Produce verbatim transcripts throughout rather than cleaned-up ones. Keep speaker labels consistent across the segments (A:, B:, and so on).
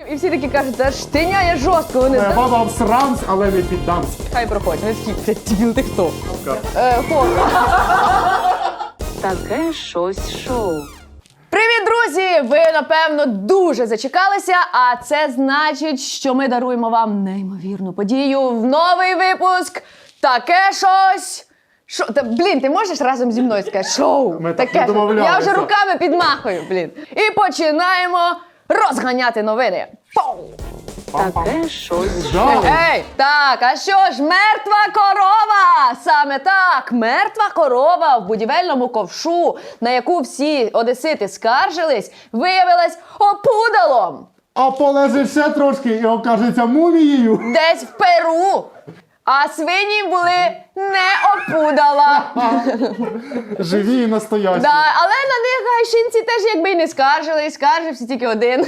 A: І всі такі кажуть, та штиняє жорстко. Вони
B: Е, Баба всрамсь, але не піддамся.
A: хай проходять. Вони такі, блядь, дебіл, ти хто? Е, хо.
C: Таке щось шоу.
A: Привіт, друзі! Ви, напевно, дуже зачекалися, а це значить, що ми даруємо вам неймовірну подію в новий випуск «Таке щось». Шо? Та, блін, ти можеш разом зі мною сказати шоу?
B: Ми так
A: Таке
B: не
A: щось.
B: домовлялися.
A: Я вже руками підмахую, блін. І починаємо розганяти новини. Пау!
C: Таке щось
B: Да.
C: шоу.
A: Ей, так, а що ж, мертва корова! Саме так, мертва корова в будівельному ковшу, на яку всі одесити скаржились, виявилась опудалом.
B: А полежить ще трошки і окажеться мумією.
A: Десь в Перу. А свині були не опудала.
B: Живі і настоящі.
A: Да, але на них гайшинці теж якби й не скаржились, скаржився тільки один.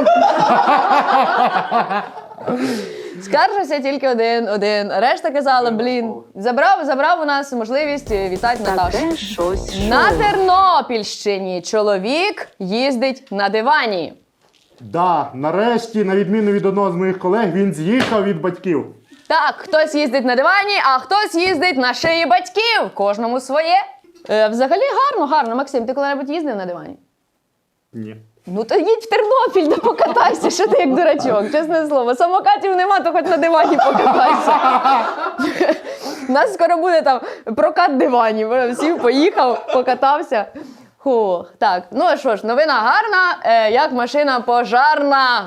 A: Скаржився тільки один, один. Решта казала, блін, забрав, забрав у нас можливість вітати Наташу.
C: Таке щось шоу.
A: На Тернопільщині чоловік їздить на дивані.
B: Да, нарешті, на відміну від одного з моїх колег, він з'їхав від батьків.
A: Так, хтось їздить на дивані, а хтось їздить на шиї батьків. Кожному своє. Е, взагалі гарно, гарно. Максим, ти коли-небудь їздив на дивані?
B: Ні.
A: Ну то їдь в Тернопіль, да покатайся, що ти як дурачок, чесне слово. Самокатів нема, то хоч на дивані покатайся. У нас скоро буде там прокат диванів. Сів, поїхав, покатався. Хух, так, ну що ж, новина гарна, е, як машина пожарна.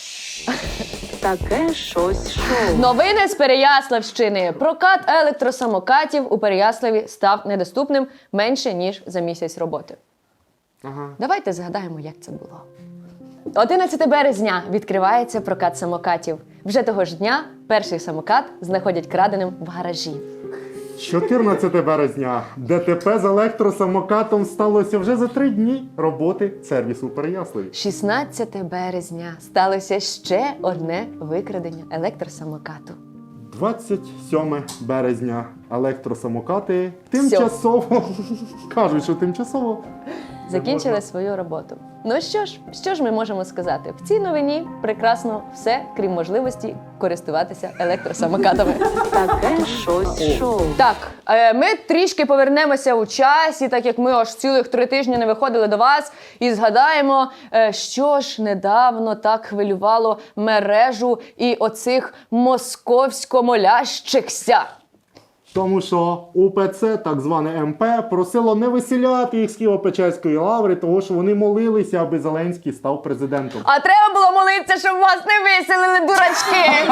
C: Таке щось шоу.
A: Новини з Переяславщини. Прокат електросамокатів у Переяславі став недоступним менше, ніж за місяць роботи.
B: Ага.
A: Давайте згадаємо, як це було. одинадцятого березня відкривається прокат самокатів. Вже того ж дня перший самокат знаходять краденим в гаражі.
B: чотирнадцятого березня. ДТП з електросамокатом сталося вже за три дні роботи сервісу у Переяславі.
A: шістнадцятого березня сталося ще одне викрадення електросамокату.
B: двадцять сьоме березня. Електросамокати тимчасово, кажуть, що тимчасово,
A: Закінчили свою роботу. Ну що ж, що ж ми можемо сказати? В цій новині прекрасно все, крім можливості користуватися електросамокатами.
C: Таке щось шоу.
A: Так, е, ми трішки повернемося у часі, так як ми аж цілих три тижні не виходили до вас, і згадаємо, е, що ж недавно так хвилювало мережу і оцих московсько-молящихся.
B: Тому що УПЦ, так зване ем пе, просило не виселяти їх з Києво-Печерської лаври, тому що вони молилися, аби Зеленський став президентом.
A: А треба було молитися, щоб вас не виселили, дурачки!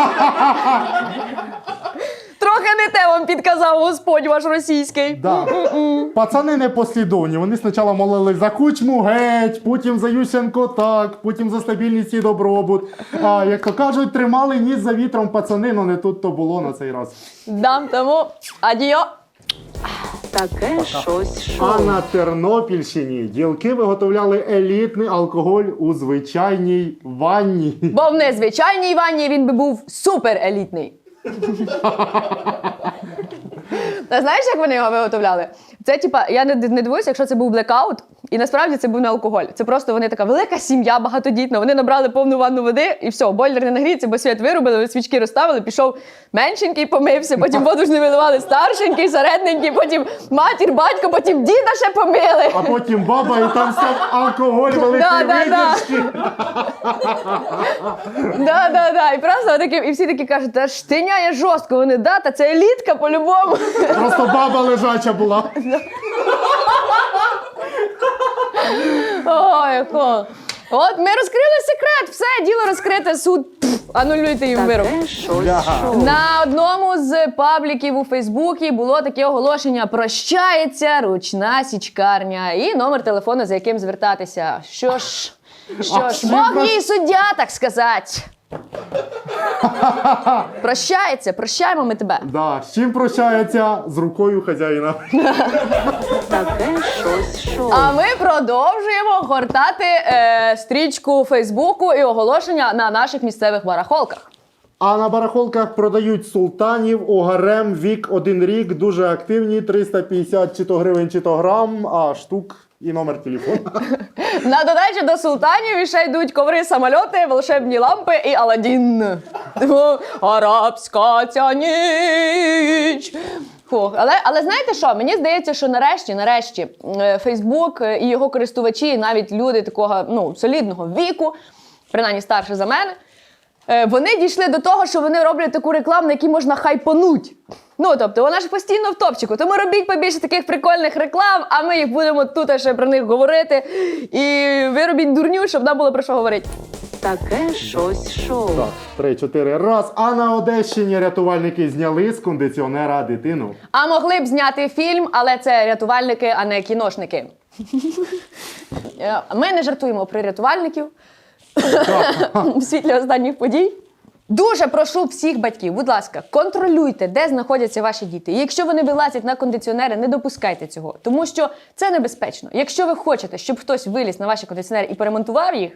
A: Трохи не те вам підказав Господь ваш російський.
B: Да. Пацани непослідовні. Вони спочатку молили за Кучму геть, потім за Ющенко так, потім за стабільність і добробут. А як то кажуть, тримали ніс за вітром пацани, але не тут то було на цей раз.
A: Дам тому адіо.
C: Таке щось шоу.
B: А на Тернопільщині ділки виготовляли елітний алкоголь у звичайній ванні.
A: Бо в незвичайній ванні він би був супер елітний. Та знаєш, як вони його виготовляли? Це, типа, я не, не дивуюся, якщо це був блекаут, і насправді це був не алкоголь. Це просто вони така велика сім'я, багатодітна. Вони набрали повну ванну води, і все, бойлер не нагріється, бо світ вирубили, свічки розставили, пішов меншенький, помився, потім воду ж не виливали старшенький, середненький, потім матір, батько, потім діда ще помили.
B: А потім баба, і там став алкоголь великої
A: Да, да, да.
B: видержки.
A: Да, да, да. І просто такі, і всі такі кажуть, та штиняє жорстко. Вони, да, та це елітка по-любому.
B: Просто баба лежача була.
A: Ой, хо. От ми розкрили секрет, все, діло розкрите, суд. Пф, анулюйте їм вирок.
C: Таке щось
B: Ляга.
C: шоу.
A: На одному з пабліків у Фейсбуці було таке оголошення: прощається ручна січкарня і номер телефону, за яким звертатися. Що ж, що
B: А
A: ж,
B: всі
A: Бог
B: про-
A: їй суддя, так сказати. Прощається, прощаємо ми тебе.
B: Да. З чим прощається? З рукою хазяїна.
C: Таке щось шоу.
A: А ми продовжуємо гортати е, стрічку Фейсбуку і оголошення на наших місцевих барахолках.
B: А на барахолках продають султанів, огарем, вік один рік, дуже активні, триста п'ятдесят чи то гривень, чи то грам, а штук І номер телефону.
A: На додачу до султанів ще йдуть коври, самольоти, волшебні лампи і Аладдін. Тому арабська ця ніч. Фух. Але, але знаєте що? Мені здається, що нарешті, нарешті, е, Фейсбук і його користувачі, навіть люди такого ну, солідного віку, принаймні старше за мене, е, вони дійшли до того, що вони роблять таку рекламу, на якій можна хайпануть. Ну, тобто, вона ж постійно в топчику. Тому робіть побільше таких прикольних реклам, а ми їх будемо тут ще про них говорити. І ви робіть дурню, щоб нам було про що говорити.
C: Таке щось шоу.
B: Так, три-чотири раз. А на Одещині рятувальники зняли з кондиціонера дитину.
A: А могли б зняти фільм, але це рятувальники, а не кіношники. Е, Ми не жартуємо про рятувальників у світлі останніх подій. Дуже прошу всіх батьків, будь ласка, контролюйте, де знаходяться ваші діти. І якщо вони вилазять на кондиціонери, не допускайте цього, тому що це небезпечно. Якщо ви хочете, щоб хтось виліз на ваші кондиціонери і поремонтував їх,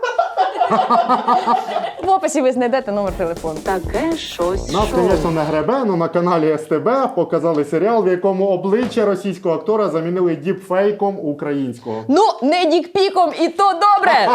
A: в описі ви знайдете номер телефону.
C: Таке щось
B: Нас,
C: шоу.
B: звісно, не гребе, але на каналі ес те бе показали серіал, в якому обличчя російського актора замінили діпфейком українського.
A: Ну, не дікпіком, і то добре!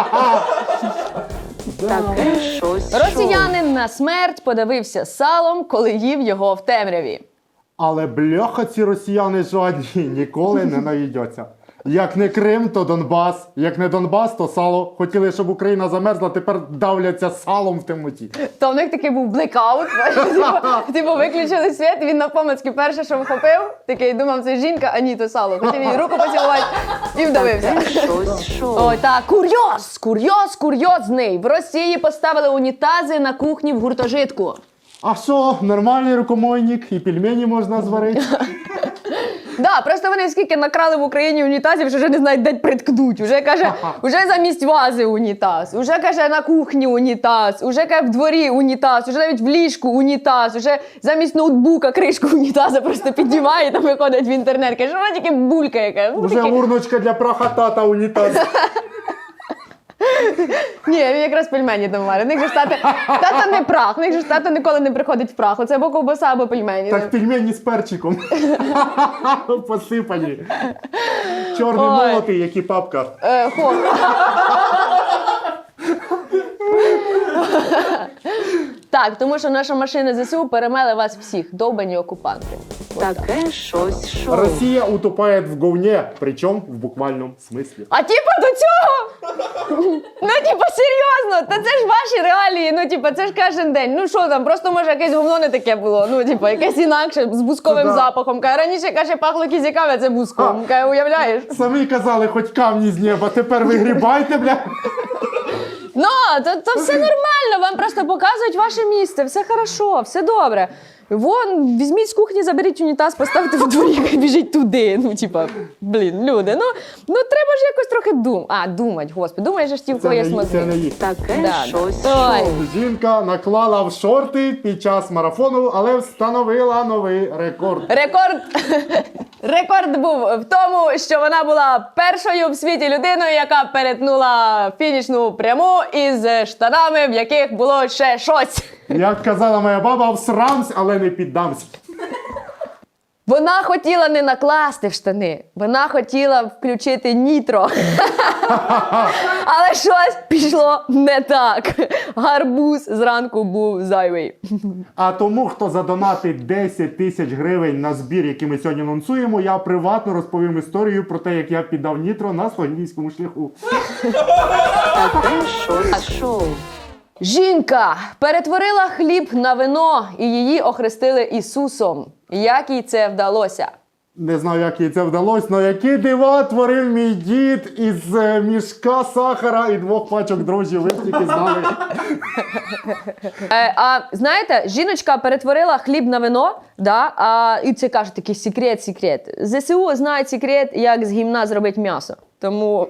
C: Таке щось шоу.
A: Росіянин на смерть подавився салом, коли їв його в темряві.
B: Але бляха ці росіяни жодні ніколи не наїдяться. Як не Крим, то Донбас. Як не Донбас, то сало. Хотіли, щоб Україна замерзла, тепер давляться салом в темноті.
A: То в них такий був блекаут. Типу, типу, виключили світ, він навпомацьки перше, що вхопив, такий думав, це жінка, а ні, то сало. Хотів їй руку поцілувати і вдавився.
C: Таке щось шоу.
A: Ой, так, курйоз, курйоз, курйозний. В Росії поставили унітази на кухні в гуртожитку.
B: А що, нормальний рукомойник і пельмені можна зварити?
A: Да, просто вони скільки накрали в Україні унітазів, що вже не знають, де приткнуть. Уже каже, уже замість вази унітаз, уже каже на кухні унітаз, уже каже в дворі унітаз, уже навіть в ліжку унітаз, уже замість ноутбука кришку унітаза просто піднімає, там виходить в інтернет. Каже, що вона тільки булька яка. Ну,
B: Уже
A: такі-
B: урночка для праха тата унітаз.
A: Ні, він якраз пельмені там варить. В них же ж тата, тата не прах, в них же ж тата ніколи не приходить в прах. Оце або ковбаса, або пельмені.
B: Так пельмені з перчиком. Посипані. Чорний
A: Ой.
B: молотий, як і папка.
A: Е, хо. Так, тому що наша машина зе се у перемели вас всіх, довбані окупанти.
C: Таке щось шоу.
B: Россия утопает в говне, причем в буквальном смысле.
A: А типа до цього? Ну, типа, серйозно, та це ж ваші реалії, ну, типа, це ж кожен день. Ну, що там, просто, може, якесь говно не таке було, ну, типа, якесь інакше, з бусковим
B: Да.
A: запахом. Каже, раніше, каже, пахло кізяками, а це буском. Каже, уявляєш?
B: Самі казали, хоч камні з неба, тепер ви грібайте, бля.
A: Ну, то, то все нормально, вам просто показують ваше місце, все хорошо, все добре. Вон, візьміть з кухні, заберіть унітаз, поставте в дворі, хай біжить туди. Ну, типа, блін, люди, ну, ну треба ж якось трохи думати. А, думать, господи, думаєш, що ж ті, в
B: Це
A: кого
B: не,
A: є
B: їх, це не
A: мозги.
B: їх.
C: Таке
A: Да.
C: щось
A: Ой.
C: шоу.
B: Жінка наклала в шорти під час марафону, але встановила новий рекорд.
A: Рекорд, рекорд був в тому, що вона була першою в світі людиною, яка перетнула фінішну пряму із штанами, в яких було ще щось.
B: Як казала моя баба, всрамсь, але не піддамся.
A: Вона хотіла не накласти в штани, вона хотіла включити нітро. Але щось пішло не так. Гарбуз зранку був зайвий.
B: А тому, хто задонатить десять тисяч гривень на збір, який ми сьогодні анонсуємо, я приватно розповім історію про те, як я піддав нітро на Слогійському шляху.
C: Таке щось шоу.
A: Жінка перетворила хліб на вино і її охрестили Ісусом. Як їй це вдалося?
B: Не знаю, як їй це вдалося, але які дива творив мій дід із е, мішка сахара і двох пачок дрожжів, ви б тільки знали.
A: Е, а знаєте, жіночка перетворила хліб на вино, да, а, і це каже такий секрет, секрет. зе се у знає секрет, як з гімна зробити м'ясо. Тому...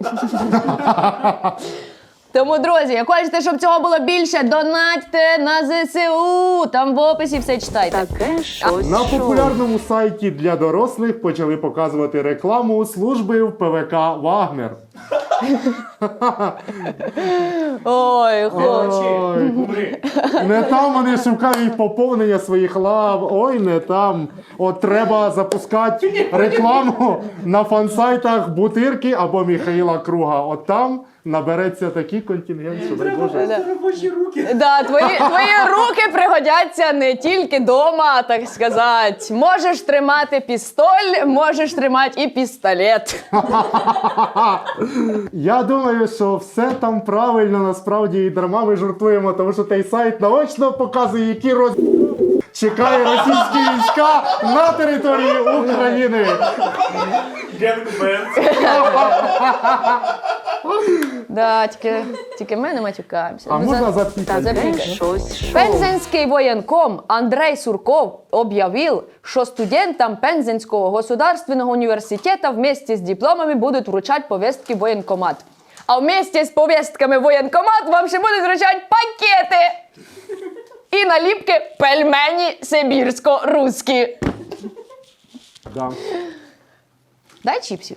A: Тому, друзі, як хочете, щоб цього було більше, донатьте на зе се у. Там в описі все читайте.
C: Таке щось
B: На
C: шоу.
B: популярному сайті для дорослих почали показувати рекламу служби в пе ве ка «Вагнер».
A: Ой, хлопці.
B: Ой, не там вони шукають поповнення своїх лав. Ой, не там. От треба запускати рекламу на фан-сайтах Бутирки або Михаїла Круга. От там набереться такий контингент, що дай Боже.
A: Да.
D: Робочі руки.
A: Да, твої, твої руки пригодяться не тільки дома, так сказати. Можеш тримати пістоль, можеш тримати і пістолет.
B: Я думаю, що все там правильно, насправді і дарма ми жартуємо, тому що той сайт наочно показує, які роз... чекає російські війська на території України.
D: Генгбенд.
A: Да, тільки, тільки ми не матюкаємося.
B: А
A: Ну,
B: можна
A: за-
B: запікати?
C: Таке
A: запікай.
C: щось шоу.
A: Пензенский военком Андрей Сурков объявил, что студентам Пензенского государственного университета вместе с дипломами будут вручать повестки в военкомат. А вместе с повестками в военкомат вам ще будуть вручати пакети і наліпки пельмені сибірсько-руські.
B: Да.
A: Дай чіпсів.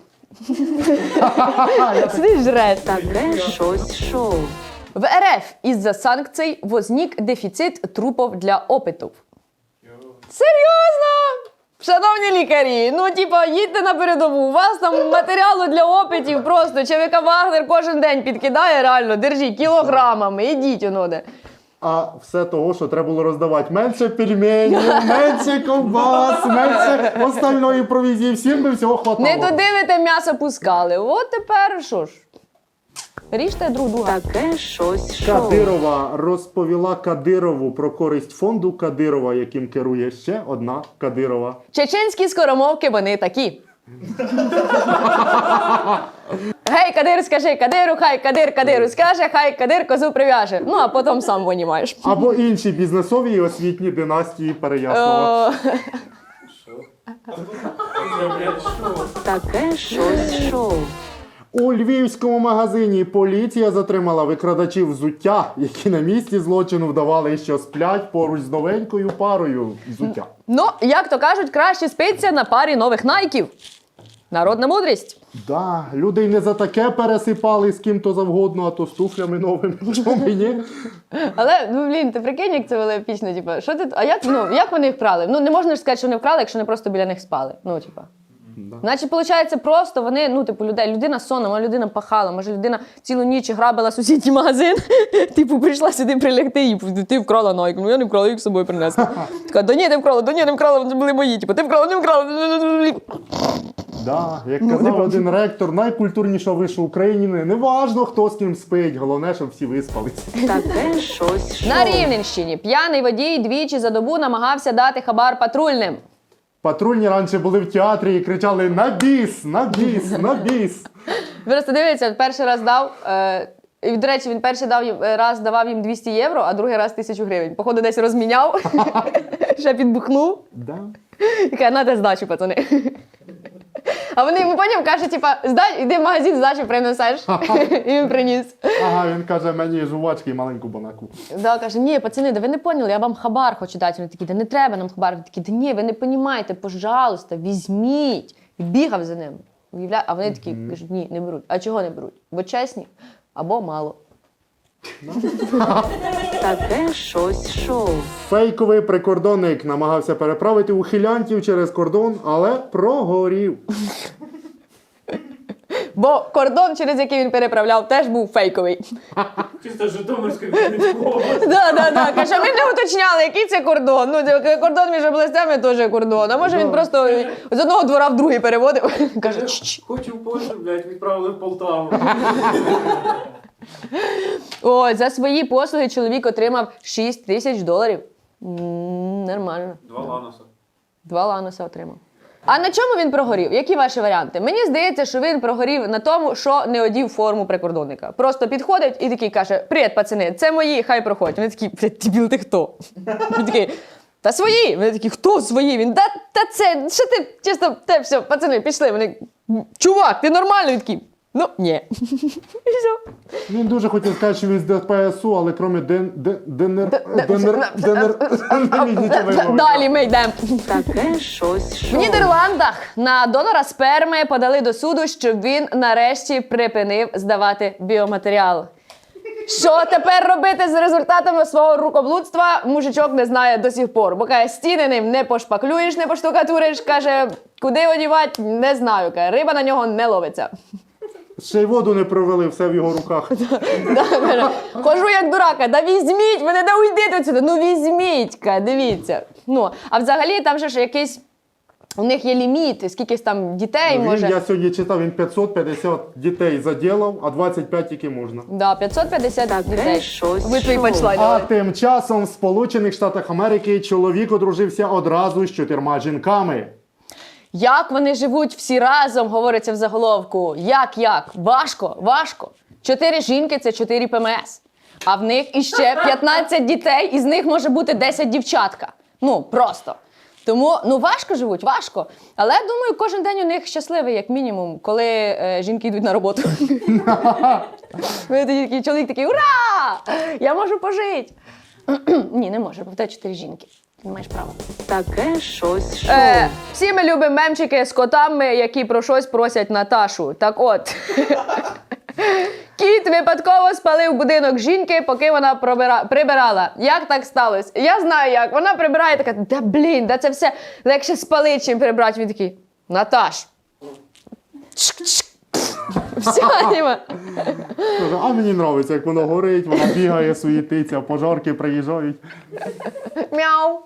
A: Сидиш жреш.
C: Таке щось шоу.
A: В РФ из-за санкций возник дефіцит трупов для опитів. Серйозно? Шановні лікарі, ну типа їдьте на передову, у вас там матеріалу для опитів просто ЧВК Вагнер кожен день підкидає, реально, держіть кілограмами, ідіть оноде.
B: А все того, що треба було роздавати. Менше пельменів, менше ковбас, менше остальної провізії. Всім би всього хватало.
A: Не туди ви те м'ясо пускали. От тепер що ж? Ріжте друг друга.
C: Таке щось шоу.
B: Кадирова розповіла Кадирову про користь фонду Кадирова, яким керує ще одна Кадирова.
A: Чеченські скоромовки вони такі. Гей, Кадир, скажи Кадиру, хай Кадир Кадиру скаже, хай Кадир козу прив'яже. Ну, а потім сам винімаєш.
B: Або інші бізнесові і освітні династії Переяслава.
C: Таке щось шоу.
B: У львівському магазині поліція затримала викрадачів взуття, які на місці злочину вдавали, що сплять поруч з новенькою парою взуття.
A: Ну, як то кажуть, краще спиться на парі нових найків. Народна мудрість.
B: Да, люди й не за таке пересипали з ким то завгодно, а то з туфлями новими. Чому ні?
A: Але, ну, блін, ти прикинь, як це було епічно, типу, що ти, а як, ну, як вони їх вкрали? Ну, не можна ж сказати, що вони вкрали, якщо вони просто біля них спали. Ну, типу.
B: Да.
A: Значить, виходить, просто вони, ну, типу, людей, людина сонна, може людина пахала, може людина цілу ніч грабила сусідній магазин, типу, прийшла сюди прилягти і ти вкрала найку. Ну, я не вкрала, я їх з собою принесла. Така, да ні, не вкрала, да ні, не вкрала, це були мої, типу, ти вкрала, не вкрала.
B: Да, як казав один ректор найкультурнішого вишу України, неважно, хто з ким спить, головне, щоб всі виспались.
C: Таке щось шоу.
A: На Рівненщині п'яний водій двічі за добу намагався дати хабар патрульним.
B: Патрульні раніше були в театрі і кричали «На біс! На біс! На біс!»
A: Просто дивіться, перший раз дав, е, і, до речі, він перший дав, їм- раз давав їм двісті євро, а другий раз тисячу гривень. Походу, десь розміняв, ще підбухнув.
B: Да.
A: І каже, на те здачу, пацани. А вони йому потім кажуть, типа, здай, іди в магазин, здачу принесеш. І він приніс.
B: Ага, він каже, мені жувачки і маленьку банаку.
A: Да, каже, ні, пацани, да ви не поняли, я вам хабар хочу дати. Вони такі, да не треба нам хабар. Вони такі, да ні, ви не розумієте, пожалуйста, візьміть. І бігав за ним. Уявляє? А вони такі кажуть, ні, не беруть. А чого не беруть? Бо чесні або мало.
C: Таке щось шоу.
B: Фейковий прикордонник намагався переправити ухилянтів через кордон, але прогорів.
A: Бо кордон, через який він переправляв, теж був фейковий.
D: Чисто Житомирської Хмельницького.
A: Да, да, да. Каже, ми не уточняли, який це кордон. Ну, це кордон між областями теж кордон. А може він просто з одного двора в другий переводив. Каже, «Чш».
D: Хочу в Польщу, блядь, відправили в Полтаву.
A: Ой, за свої послуги чоловік отримав шість тисяч доларів. М, Нормально.
D: Два ланоса.
A: Два ланоса отримав. А на чому він прогорів? Які ваші варіанти? Мені здається, що він прогорів на тому, що не одів форму прикордонника. Просто підходить і такий каже: «Привіт, пацани, це мої, хай проходять». Вони такі: «Блядь, дебіл, ти хто?» Він такий: «Та свої!» Вони такі: «Хто свої?» Він: «Та, та це, що ти, чисто, те все, пацани, пішли». Вони: «Чувак, ти нормальний?» Він такий: Ну, ні. І все.
B: Він дуже хотів сказати, що він з ДПСУ, але крім ден, ден, денер,
A: Д-
B: денер, денер, не міг нічого вимовити.
A: Далі ми йдемо.
C: Таке щось
A: В
C: шоу.
A: Нідерландах на донора сперми подали до суду, щоб він нарешті припинив здавати біоматеріал. Що тепер робити з результатами свого рукоблудства, мужичок не знає до сих пор. Бо каже, стіни ним не пошпаклюєш, не поштукатуриш, каже, куди одівати, не знаю. Каже, риба на нього не ловиться.
B: Ще й воду не провели, все в його руках.
A: Да, каже, хожу як дурака, да візьміть мене, да уйдіть отсюди, ну візьміть, каже, дивіться. Ну, а взагалі там же ж якийсь, у них є ліміт, скільки там дітей
B: Він,
A: може.
B: я сьогодні читав, він п'ятсот п'ятдесят дітей заділав, а двадцять п'ять тільки можна.
A: Да, п'ятсот п'ятдесят
C: Таке
A: дітей.
C: щось
A: Ви твої
C: шоу.
A: панчлайни.
B: А тим часом в Сполучених Штатах Америки чоловік одружився одразу з чотирма жінками.
A: Як вони живуть всі разом, говориться в заголовку. Як, як? Важко, важко. Чотири жінки – це чотири ПМС. А в них іще п'ятнадцять дітей, із них може бути десять дівчатка. Ну, просто. Тому, ну, важко живуть, важко. Але, думаю, кожен день у них щасливий, як мінімум, коли е, жінки йдуть на роботу. Ви такий чоловік такий, ура! Я можу пожити. Ні, не може, бо в тебе чотири жінки. Ти не маєш права.
C: Таке щось шоу.
A: Е, всі ми любимо мемчики з котами, які про щось просять Наташу. Так от. Кіт випадково спалив будинок жінки, поки вона пробира... прибирала. Як так сталося? Я знаю як. Вона прибирає така, да блін, да це все легше спалити, чим прибрати. Він такий, Наташ. Чик-чик. Все, Діма.
B: Каже, а мені подобається, як воно горить, вона бігає, суєтиться, пожарки приїжджають.
A: Мяу.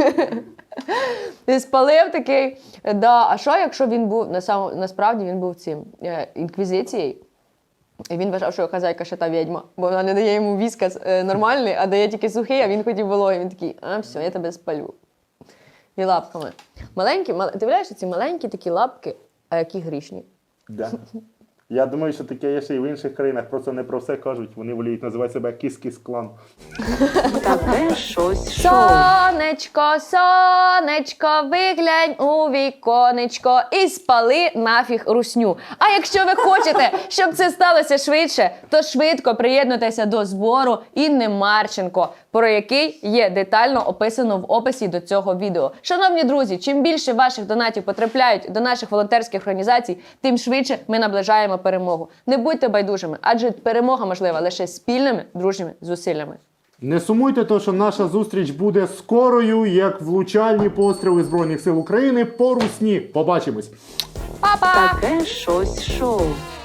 A: Ти спалив такий. Да. А що, якщо він був, насам... насправді він був цим е, інквізицією? І він вважав, що хазяйка ще та відьма, бо вона не дає йому віскас е, нормальний, а дає тільки сухий, а він хотів вологий. Він такий, а все, я тебе спалю. І лапками. Маленькі, мал... ти уявляєш, ці маленькі такі лапки, а які грішні.
B: Да. Я думаю, що таке є ще й в інших країнах, просто не про все кажуть. Вони воліють називати себе кіс-кіс-клан.
C: Таке щось шоу.
A: Сонечко, сонечко, виглянь у віконечко і спали нафіг русню. А якщо ви хочете, щоб це сталося швидше, то швидко приєднуйтеся до збору Інни Марченко, про який є детально описано в описі до цього відео. Шановні друзі, чим більше ваших донатів потрапляють до наших волонтерських організацій, тим швидше ми наближаємо перемогу. Не будьте байдужими, адже перемога можлива лише спільними дружніми зусиллями.
B: Не сумуйте, то що наша зустріч буде скорою, як влучальні постріли Збройних сил України по русні. Побачимось!
A: Па-па!
C: Таке щось шоу.